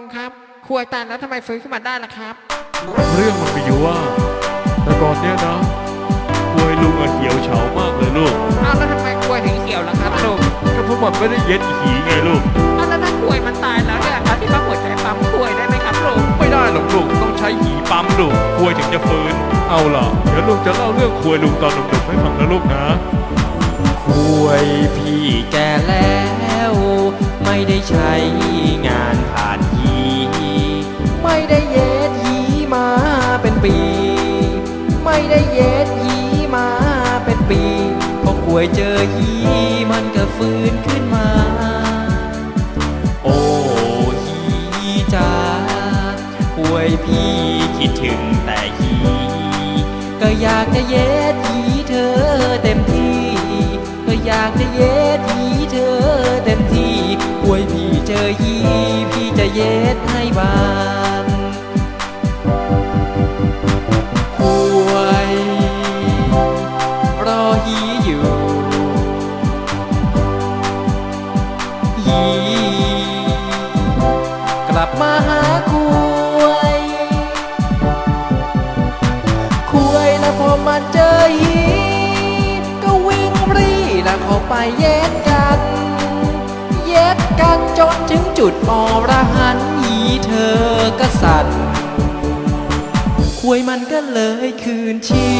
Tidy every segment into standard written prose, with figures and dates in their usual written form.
ครับควยตายแล้วทำไมฟื้นขึ้นมาได้ล่ะครับเรื่องมันมีอยู่ว่าแต่ก่อนเนี้ยนะควยลุงเหี่ยวเฉามากเลยลูกเอาแล้วทำไมควยถึงเหี่ยวล่ะครับลุงก็เพราะมันไม่ได้เย็ดหีไงลูกเอาแล้วถ้าควยมันตายแล้วเนี่ยเอาที่ปั๊มหัวใจปั๊มควยได้ไหมครับลุงไม่ได้หรอกลูกต้องใช้หีปั๊มลูกควยถึงจะฟื้นเอาล่ะเดี๋ยวลุงจะเล่าเรื่องควยลุงตอนหนุ่มๆให้ฟังนะลูกนะควยพี่แก่แล้วไม่ได้ใช้งานผ่านหีไม่ได้เย็ดหีมาเป็นปีไม่ได้เย็ดหีมาเป็นปีพอควยเจอหีมันก็ฟื้นขึ้นมาโอ้หีจ้าควยพี่คิดถึงแต่หีก็อยากจะเย็ดหีเธอเต็มที่ก็อยากจะเย็ดหีเธอเต็มที่ควยพี่เจอหีพี่จะเย็ดให้บางควยรอหีอยู่หีกลับมาหาควยควยแล้วพอมาเจอหีก็วิ่งรีแล้วเข้าไปเย็ดกันเย็ดกันจนถึงจุดอรหันต์หีเธอก็สั่นควยมันก็เลยคืนชี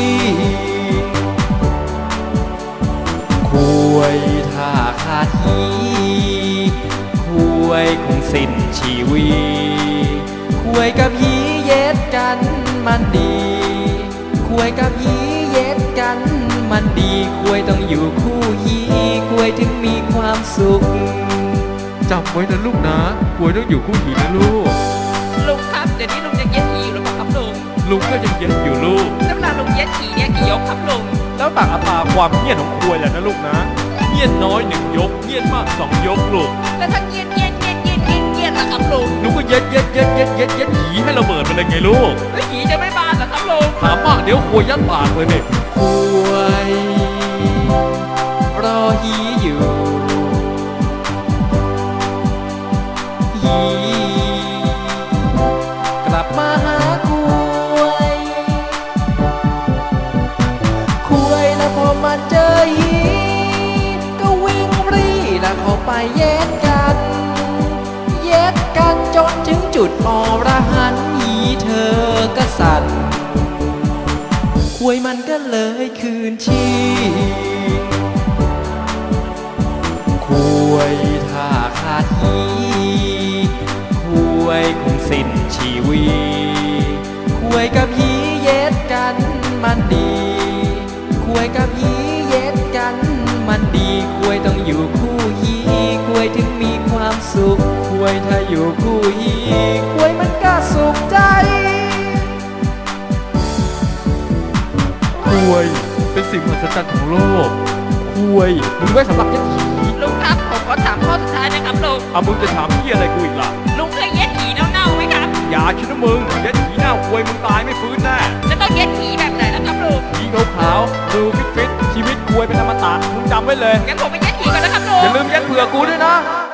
ควยถ้าขาดหีควยคงสิ้นชีวิตควยกับหีเย็ดกันมันดีควยกับหีเย็ดกันมันดีควยต้องอยู่คู่หีควยถึงมีความสุขจำไว้นะลูกนะควยต้องอยู่คู่หีนะลูกลุงครับเดี๋ยวนี้ลุงจะเย็ดหีหรือเปล่าครับลุงลุงก็ยังเย็ดอยู่ลูกแล้วเวลาลุงเย็ดหีเนี่ยกี่ยกครับลุงแล้วต่างอัตราความเงียบของควยแหละนะลูกนะเงียบน้อย1 ยกเงียบมาก2 ยกลูกแล้วถ้าเงียบล่ะครับลุงลุงก็เย็ดหีให้ระเบิดไปเลยไงลูกแล้วหีจะไม่บานเหรอครับลุงถามมากเดี๋ยวควยยัดปากเลยเนี่ยควยรอหีอยู่หีกลับมาหาควยควยแล้วพอมาเจอหีก็วิ่งรีแล้วเข้าไปเย็ดกันเย็ดกันจนถึงจุดอรหันต์หีเธอก็สั่นควยมันก็เลยคืนชีควยถ้าขาดหีควยคงสิ้นชีวิตควยกับหีเย็ดกันมันดีควยกับหีเย็ดกันมันดีควยต้องอยู่คู่หีควยถึงมีความสุขควยถ้าอยู่คู่หีควยมันก็สุขใจควยเป็นสิ่งมหัศจรรย์ของโลกควยมึงไว้สำหรับเย็ดหีลุงครับผมขอถามข้อสุดท้ายนะครับลุงมึงจะถามพี่อะไรกูอีกล่ะลุงเคยเย็ดหีเน่าๆไหมครับอย่าคิดนะมึงเย็ดหีเน่าควยมึงตายไม่ฟื้นแน่จะต้องเย็ดหีแบบไหนล่ะครับลุงหีขาวๆดูฟิตชีวิตควยเป็นอมตะมึงจำไว้เลยงั้นผมไปเย็ดหีก่อนนะครับลุงอย่าลืมเย็ดเผื่อกูด้วยนะ